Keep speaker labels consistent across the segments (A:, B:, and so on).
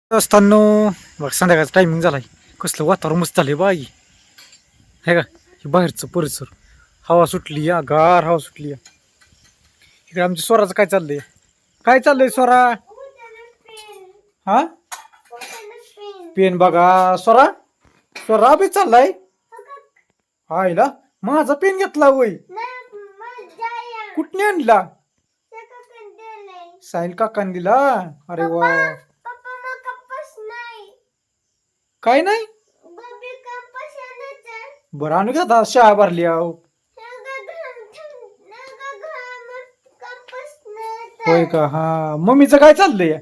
A: असताना बघ संध्याकाळचा टायमिंग झालाय. कसलं वातावरण मस्त झालंय बाई. आहे का हे बाहेरचं परिसर, हवा सुटली या, गार हवा सुटली या. इकडे आमच्या स्वराचं काय चाललंय, काय चाललंय स्वरा? हा पेन बघा स्वरा, स्वरा बी चाललाय आईला. माझा पेन घेतला वय, कुठने आणला? साहिल काकांनी दिला. अरे वा. काय नाही बरं आणू घ्या, आता शाळा भरली आहो. होय का? हा मम्मीचं काय चाललंय?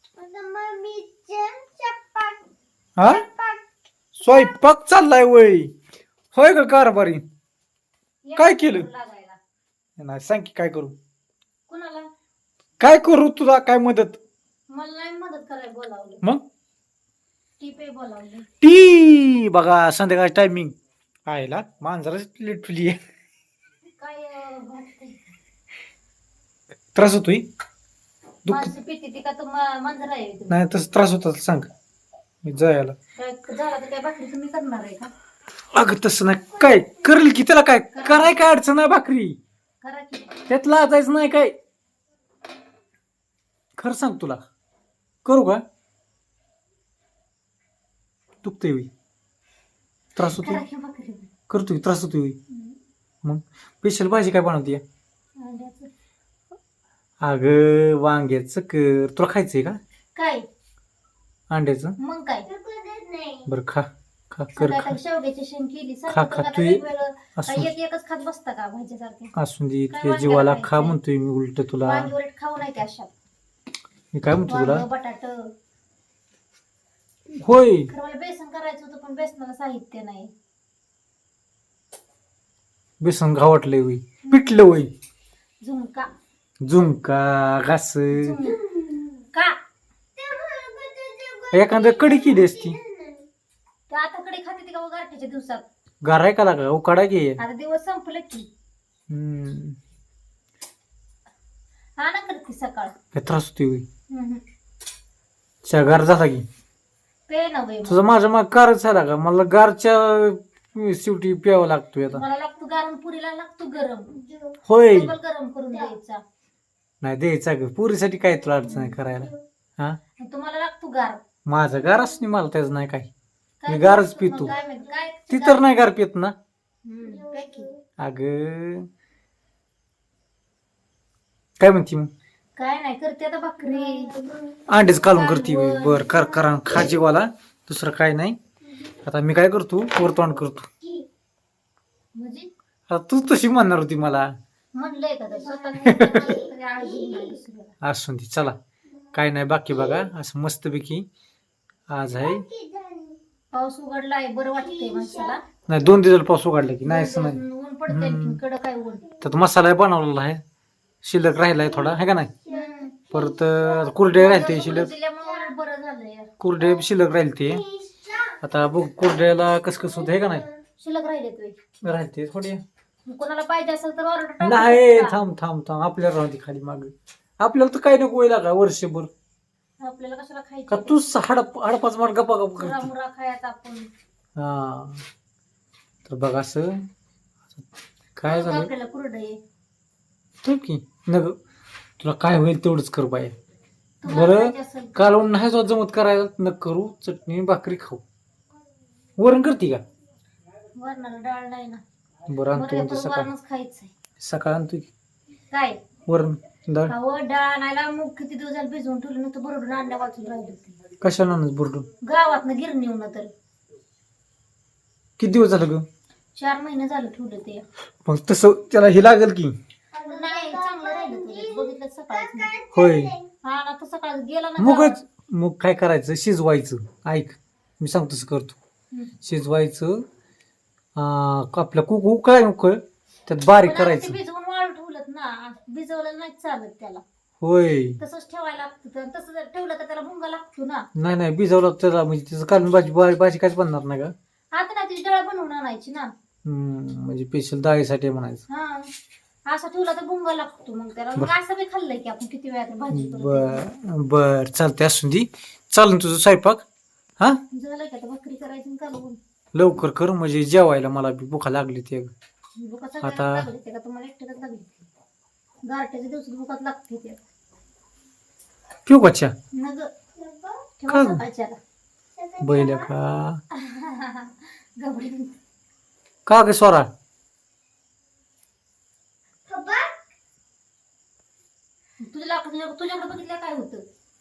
A: हा स्वयंपाक चाललाय वय. होय का कारभारी? काय केलं नाही सांग की, काय करू? काय करू तुला? काय मदत?
B: मला नाही मदत करायला बोलावलं,
A: मग
B: टी बोलावलं.
A: टी बघा संध्याकाळची टायमिंग आयला. मांजराच लिटली आहे.
B: काय वाटतंय?
A: त्रास होतोय दुःख?
B: माणसं पिती ती का तू मांजर आहे तुम्ही?
A: नाही तसं त्रास होता सांग मी जायला.
B: काय झालं तर काय भाकरी तुम्ही करणार आहे का?
A: अगं तसं नाही, काय करेल की त्याला, काय कराय काय अडचण आहे भाकरी,
B: करा की.
A: त्यात लाजायचं नाही काय. खरं सांग तुला करू का? दुखतंय होई, त्रास होतोय,
B: करा की भाकरी.
A: करतोय त्रास होतोय होई. मग स्पेशल भाजी काय बनवते?
B: अंड्याचं.
A: अगं वांग्याचं कर, तुला खायचंय का
B: काय
A: अंड्याचं?
B: मग काय
A: बरं खा खा कर खा.
B: सकाळी शेवग्याची शेंग केली.
A: खा
B: सारखं
A: खा
B: आता
A: तू
B: वेगवेगळं
A: असू
B: काय एक एकच खात बसता का भाजीसारखे?
A: असून दे,
B: काय
A: तुझ्या
B: वांग्याला
A: जीवाला
B: खायचंय?
A: खा म्हणतोय मी उलट तुला.
B: वांगी उलट खाऊ नाही त्या अशा.
A: मी काय म्हणतो तुला?
B: वांग बटाट.
A: होय
B: खरं मला बेसन करायचं होतं पण बेसनाला साहित्य नाही.
A: बेसन घावटलंय वय, पिटलं वय.
B: झुणका.
A: झुणका घास
B: का
A: एखाद्या कडी केली असती.
B: तर आता कडे खाते ती का गारठ्याच्या दिवसात?
A: गाराय का लागा उकाडा घे.
B: आता दिवस संपले की. हा ना करते सकाळ.
A: काय त्रास होतोय वय?
B: हम्म.
A: च्या गार झाला की
B: पे ना बाई.
A: तुझा माझ्या माग कारच झाला का? मला गारच्या शेवटी प्यावा लागतोय आता.
B: मला लागतो गारण, पुरीला लागतो गरम.
A: होय
B: डबल गरम करून द्यायचा.
A: नाही द्यायचा ग, पुरीसाठी काय तुला अडचण आहे करायला? हा
B: आणि तुम्हाला लागतो गार.
A: माझं गारच नाही, मला त्याच नाही काय.
B: काय
A: मी गारच
B: मग
A: पितो.
B: काय माहित काय
A: ती तर नाही गार पित ना.
B: पे की.
A: अग काय म्हणती मग?
B: काय नाही करते आता भाकरी.
A: अंडेच कालून करते. बर कर करा खा जीवाला, दुसरं काय नाही. आता मी काय करतो, वरतोंड करतो.
B: म्हणजे
A: आता तू तशी म्हणणार होती मला.
B: म्हणलंय का स्वतः
A: असून ती चला काय नाही बाकी बघा. असं मस्तपैकी आज आहे.
B: पाऊस उघडलाय, बरं वाटतंय माणसाला.
A: नाही 2 दिवस पाऊस उघडला की नाही असं नाही.
B: ऊन पडतंय आणखीन कडक आहे ऊन.
A: त्यात मसाला बनवलेला आहे, शिल्लक राहिलाय थोडा आहे का नाही. परत कुरडे राहिले शिल्लक,
B: दिल्यामुळे बरं झालंय.
A: कुरडे शिल्लक राहील ते. आता बघ कुरड्याला कस कसं होत आहे का नाही.
B: शिल्लक राहिले तुम्ही
A: राहते थोडे.
B: कोणाला पाहिजे असेल तर ऑर्डर
A: नाही थांब थांब थांब, आपल्याला राहते खाली माग. आपल्याला तर काही नको व्हायला का वर्षभर.
B: आपल्याला कशाला
A: का
B: खायचं?
A: तू हडपाच मार गप्पा गप्पा
B: मुरा
A: करते.
B: मुरा खायचा आपण.
A: हा तर बघ असं काय झालं
B: आपल्याला कुरडई.
A: तर की नग तुला काय होईल तेवढंच कर बाय.
B: तुम्हाला
A: बरं
B: खायचं असेल तर.
A: कालवण नाही जो जमत करायला न करू, चटणी भाकरी खाऊ. वरण करते का?
B: वरणाला डाळ नाही ना.
A: बरं आणतो म्हणते
B: बरं
A: सकाळ
B: वरणच खायचंय.
A: सकाळ आणतो की
B: काय
A: वरण डाळ.
B: अहो डाळ आणायला मूग किती दिवस झाले भिजवून ठेवलं नव्हतं, बरोबर आणल्या वाचून राहिली होती
A: कशाला आणच बुरडून?
B: गावातनं गिरणीहून. तर
A: किती दिवस झालं ग?
B: 4 महिने झालं ठेवलं ते.
A: मग तसं त्याला हे लागेल की.
B: नाही चांगलं राहिलं तुझं, बघितलं सकाळच.
A: होय
B: हा ना, तर सकाळ गेला ना.
A: मुगच मग काय करायचं, शिजवायचं. ऐक मी सांगतो तसं करतो.
B: हम्म.
A: शिजवायचं आपल्या कुकू काय उकळ त्यात बारीक
B: पण आता ते
A: करायचं.
B: भिजवून वाळू ठेवलं ना, भिजवलं नाही चालत त्याला.
A: होय
B: तसंच ठेवायला लागतं. तर तसं जर ठेवलं तर त्याला भुंगा लागतो ना.
A: नाही नाही भिजवलं त्याला म्हणजे त्याचं काढून भाजी भाजी काहीच बनणार नाही का?
B: आता ना तिची डाळ बनवून आणायची ना.
A: म्हणजे स्पेशल डाळीसाठी म्हणायचं.
B: हा असं ठेवला तर भुंगा लागतो मग त्याला. मग असं बी खाल्लंय की आपण किती वेळा भाजी करतो.
A: बर बर चालते असून दे. चालन तुझं स्वयंपाक हा
B: झालं की आता भाकरी करायची आणि कालवून.
A: लवकर कर म्हणजे जेवायला मला बी भुका लागली ते
B: भुका
A: आता-
B: सगळ्यांना लागली ते का तुम्हाला एकट्यालाच लागली गारठ्याच्या दिवसात भुकात लागते ते
A: पिऊ कच्च्या
B: मग
A: का
B: ठेवा
A: ग?
B: सकाळच्याला
A: बैल का
B: गबडी
A: का ग स्वरा
B: तुझ्याकडे बघितलं काय होतं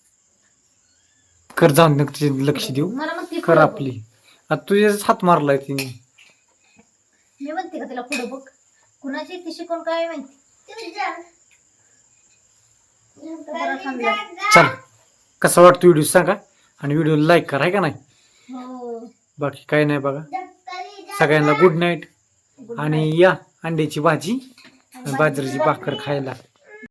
A: कर जाऊन दे, तिचे लक्ष देऊ
B: मला म्हणते
A: कर
B: पुढं बघ.
A: आपली आता तुझ्याच हात मारलाय तिने
B: मी म्हणते का तिला पुढे बघ कुणाची ती शिकून काय माहिती बरं समजा.
A: चल कसा वाटतो व्हिडिओ सांगा आणि व्हिडिओ लाईक करा का नाही
B: हो
A: बाकी काही नाही बघा सगळ्यांना गुड नाईट आणि या अंड्याची भाजी आणि बाजरीची भाकर खायला